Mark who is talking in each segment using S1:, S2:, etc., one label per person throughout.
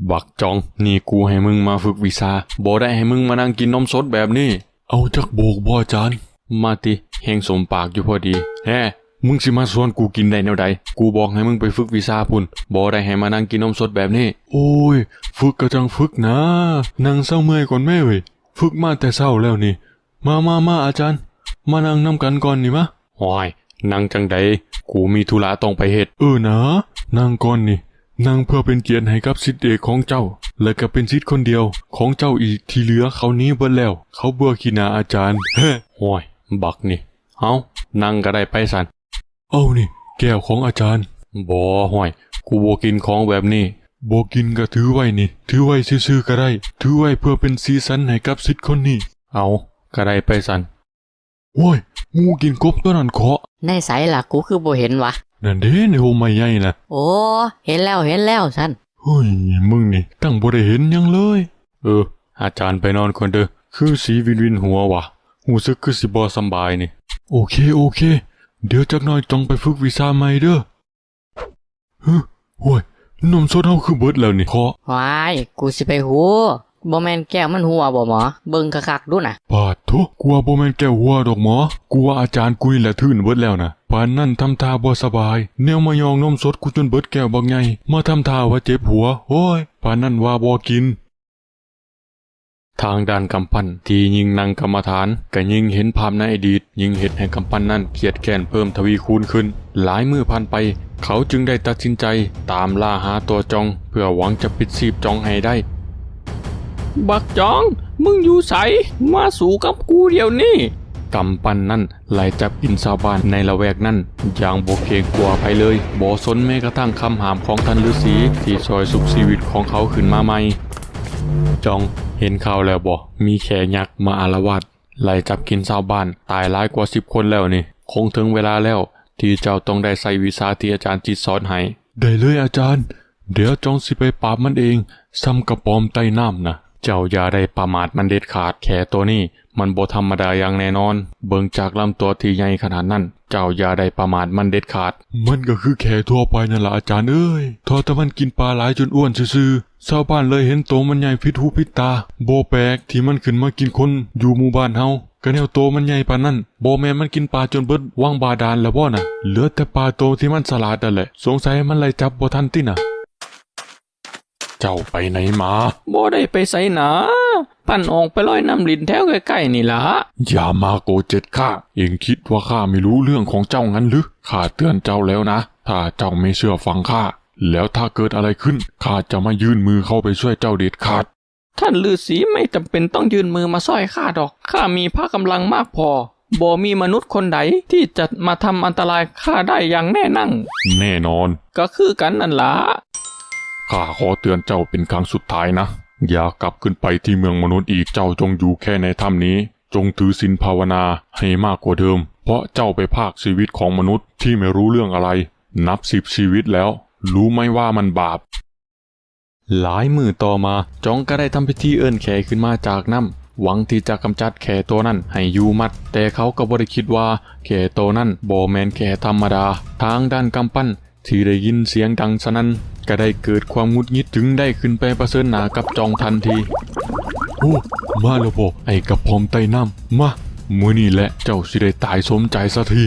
S1: บักจองนี่กูให้มึงมาฝึกวิชาบ่ได้ให้มึงมานั่งกินนมสดแบบนี้เอาจักโบกบ่อาจารย์มาติแหงสมปากอยู่พอดีแฮ่มึงสิมาชวนกูกินได้แนวใดกูบอกให้มึงไปฝึกวิชาพุ่นบ่ได้ให้มานั่งกินนมสดแบบนี้โอ้ยฝึกก็จังฝึกนะนั่งเศร้าเมื่อยก่อนแม่เว้ยฝึกมาแต่เศร้าแล้วนี่มาอาจารย์มานั่งนำกันก่อนนี่มะห้อยนั่งจังใดกูมีธุระต้องไปเฮ็ดนะนั่งก่อนนี่นั่งเพื่อเป็นเกียรติให้กับศิษย์เอกของเจ้าและก็เป็นศิษย์คนเดียวของเจ้าอีกที่เหลือเขานี้เบิดแล้วเขาเบื่อขี้หน้าอาจารย์เฮ้ห้อยบักนี่เอานั่งก็ได้ไปสันเอานี่แก้วของอาจารย์บ่ห้อยกูบ่กินของแบบนี้บ่กินก็ถือไว้นี่ถือไว้ซื่อๆก็ได้ถือไว้เพื่อเป็นสีสันให้กับศิษย์คนนี้เอาก็ได้ไปสันโว้ยงูกินกบตัวนั้นเคาะ
S2: ในไสล่ะกูคือบ่เห็นวะ
S1: นั่นเด้ในโฮมใหม่ใหญ่น่ะ
S2: โอ้เห็นแล้วฉัน
S1: เฮ้ยมึงนี่ตั้งบ่ได้เห็นยังเลยอาจารย์ไปนอนก่อนเด้อคือสีวินหัวว่ะรู้สึกคือสิบ่สบายนี่โอเคเดี๋ยวจักหน่อยต้องไปฝึกวิชาใหม่เด้อโว้ยนมสดเฮาคือเบิดแล้วนี่เคาะ
S2: ว้ายกูสิไปหูบ่แม่นแก้วมันหัวบ่หมอเบิ่งคักๆดูน่ะ
S1: ปาดโธกูว่าบ่แม่นแก้วหัวดอกหมอกูว่าอาจารย์กุยแหละทื่นเบิดแล้วนะปานนั้นทำท่าบ่สบายแนวมายองนมสดกูจนเบิดแก้วบักใหญ่มาทำท่าว่าเจ็บหัวโอ้ยปานนั้นว่าบ่กินทางด้านกำปั้นที่ยิงนั่งกรรมฐานก็ยิ่งเห็นภาพในอดีตยิ่งเห็นให้กำปั้นนั้นเครียดแค้นเพิ่มทวีคูณขึ้นหลายมื้อผ่านไปเขาจึงได้ตัดสินใจตามล่าหาตัวจองเพื่อหวังจะปิดชีพจองให้ได้
S3: บักจองมึงอยู่ไสมาสู่กับกูเดี๋ยวนี้
S1: กำปั้นนั้นไล่จับกินชาวบ้านในละแวกนั้นอย่างบ่เกรงกลัวภัยเลยบ่สนแม้กระทั่งคำหามของท่านฤาษีที่ช่วยสุขชีวิตของเขาขึ้นมาใหม่จองเห็นข่าวแล้วบ่มีแขยักษ์มาอาละวาดไล่จับกินชาวบ้านตายหลายกว่า10 คนแล้วนี่คงถึงเวลาแล้วที่เจ้าต้องได้ใส่วิชาที่อาจารย์จิตสอนให้ได้เลยอาจารย์เดี๋ยวจองสิไปปราบมันเองซ้ำกระปอมใต้น้ำนะเจ้าอย่าได้ประมาทมันเด็ดขาดแขตัวนี้มันบ่ธรรมดาอย่างแน่นอนเบิ่งจากลำตัวที่ใหญ่ขนาดนั้นเจ้าอย่าได้ประมาทมันเด็ดขาดมันก็คือแขทั่วไปนั่นล่ะอาจารย์เอ้ยทอแต่มันกินปลาหลายจนอ้วนซื่อๆชาวบ้านเลยเห็นโตมันใหญ่ผิดหูผิดตาบ่แปลกที่มันขึ้นมากินคนอยู่หมู่บ้านเฮาก็แนวโตมันใหญ่ปานนั้นบ่แม่นมันกินปลาจนเบิดวังบาดาลแล้วบ่น่ะเหลือแต่ปลาโตที่มันฉลาดนั่นแหละสงสัยมันไล่จับบ่ทันติน่ะเจ้าไปไหนมา
S3: บ่ได้ไปไสนะปั่นออกไปลอยน้ำลิ้นแถวใกล้ๆนี่ล่ะ
S1: อย่ามาโกเจ็ดข้าเองคิดว่าข้าไม่รู้เรื่องของเจ้างั้นหรือข้าเตือนเจ้าแล้วนะถ้าเจ้าไม่เชื่อฟังข้าแล้วถ้าเกิดอะไรขึ้นข้าจะมายื่นมือเข้าไปช่วยเจ้าเด็ดขาด
S3: ท่านฤาษีไม่จำเป็นต้องยื่นมือมาช่วยข้าดอกข้ามีพละกำลังมากพอบ่มีมนุษย์คนใดที่จะมาทำอันตรายข้าได้อย่างแน่นั่ง
S1: แน่นอน
S3: ก็คือกันนั่นล่ะ
S1: ข้าขอเตือนเจ้าเป็นครั้งสุดท้ายนะอย่ากลับขึ้นไปที่เมืองมนุษย์อีกเจ้าจงอยู่แค่ในถ้ำนี้จงถือศีลภาวนาให้มากกว่าเดิมเพราะเจ้าไปพรากชีวิตของมนุษย์ที่ไม่รู้เรื่องอะไรนับ10 ชีวิตแล้วรู้ไหมว่ามันบาปหลายมื้อต่อมาจองก็ได้ทำพิธีเอิ้นแขขึ้นมาจากน้ำหวังที่จะกำจัดแขตัวนั้นให้อยู่มัดแต่เขาก็บ่ได้คิดว่าแขตัวนั้นบ่แม่นแขธรรมดาทางด้านกำปั้นที่ได้ยินเสียงดังสนั่นก็ได้เกิดความหงุดหงิดจึงได้ขึ้นไปประเสริญหน้ากับจองทันทีโอ้มาแล้วบ่ไอ้กระพอมใต้น้ำมามื้อนี้แหละเจ้าสิได้ตายสมใจสักที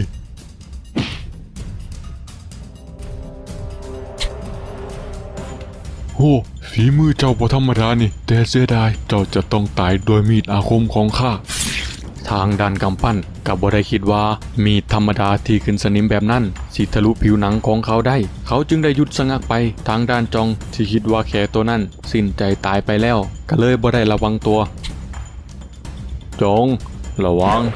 S1: โอ้ฝีมือเจ้าบ่ธรรมดานี่แต่เสียดายเจ้าจะต้องตายโดยมีดอาคมของข้าทางด้านกำปั้นก็บ่ได้คิดว่ามีดธรรมดาที่ขึ้นสนิมแบบนั้นสิทะลุผิวหนังของเขาได้เขาจึงได้หยุดชะงักไปทางด้านจองที่คิดว่าแขตัวนั้นสิ้นใจตายไปแล้วก็เลยบ่ได้ระวังตัวจงระวัง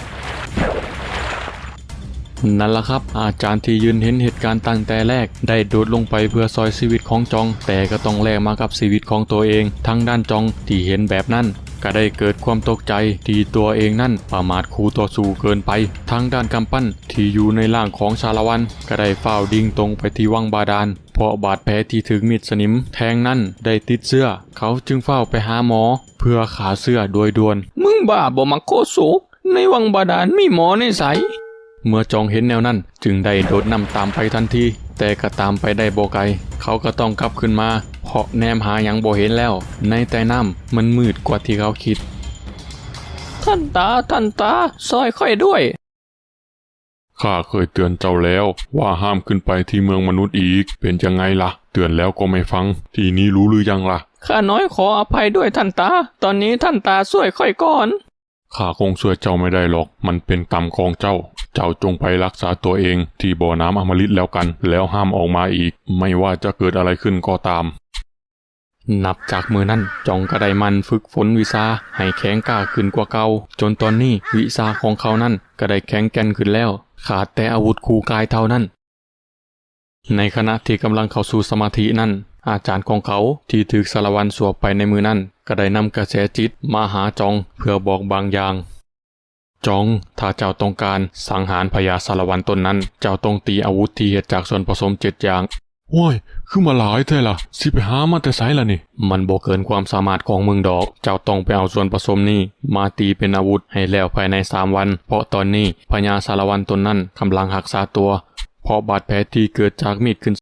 S1: นั่นล่ะครับอาจารย์ที่ยืนเห็นเหตุการณ์ตั้งแต่แรกได้โดดลงไปเพื่อซอยชีวิตของจองแต่ก็ต้องแลกมากับชีวิตของตัวเองทางด้านจองที่เห็นแบบนั้นก็ได้เกิดความตกใจที่ตัวเองนั่นประมาทคู่ต่อสู้เกินไปทางด้านกำปั้นที่อยู่ในร่างของชาละวันก็ได้ฝ้าวดิ่งตรงไปที่วังบาดาลเพราะบาดแผลที่ถึงมีดสนิมแทงนั้นได้ติดเสื้อเขาจึงเฝ้าไปหาหมอเพื่อขาเสื้อโดยด่วน
S3: มึงบ้าบ่มักโคโศกในวังบาดาลมีหมอในไส
S1: เมื่อจองเห็นแนวนั้นจึงได้โดดนำตามไปทันทีแต่ก็ตามไปได้บ่ไกลเขาก็ต้องกลับขึ้นมาเพราะแนมหาหยังบ่เห็นแล้ว ในใต้น้ำมันมืดกว่าที่เขาคิด
S3: ท่านตาซอยค่อยด้วย
S1: ข้าเคยเตือนเจ้าแล้วว่าห้ามขึ้นไปที่เมืองมนุษย์อีก เป็นยังไงล่ะ เตือนแล้วก็ไม่ฟัง ทีนี้รู้หรือยังล่ะ
S3: ข้าน้อยขออภัยด้วยท่านตา ตอนนี้ท่านตาช่วยค่อยก่อน
S1: ข้าคงช่วยเจ้าไม่ได้หรอก มันเป็นกรรมของเจ้า เจ้าจงไปรักษาตัวเองที่บ่อน้ำอมฤตแล้วกัน แล้วห้ามออกมาอีก ไม่ว่าจะเกิดอะไรขึ้นก็ตาม นับจากมือนั้นจองก็ได้มันฝึกฝนวิชาให้แข็งกล้าขึ้นกว่าเก่าจนตอนนี้วิชาของเขานั้นก็ได้แข็งแกร่งขึ้นแล้ว ขาดแต่อาวุธคู่กายเท่านั้น ในขณะที่กำลังเข้าสู่สมาธินั้น อาจารย์ของเขาที่ถูกสารวันสวบไปในมือนั้นก็ได้นำกระแสจิตมาหาจองเพื่อบอกบางอย่าง จองถ้าเจ้าต้องการสังหารพญาสารวันตนนั้น เจ้าต้องตีอาวุธที่เฮ็ดจากส่วนผสม7อย่างโอ้ยคือมาหลายแท้ล่ะสิไปหามาแต่ไสล่ะนี่มันบ่เกินความสามารถของมึงดอก เจ้าต้องไปเอาส่วนผสมนี้มาตีเป็นอาวุธให้แล้วภายใน3 วัน เพราะตอนนี้พญาสารวันตนนั้นกำลังรักษาตัว เพราะบาดแผลที่เกิดจากมีดขึ้น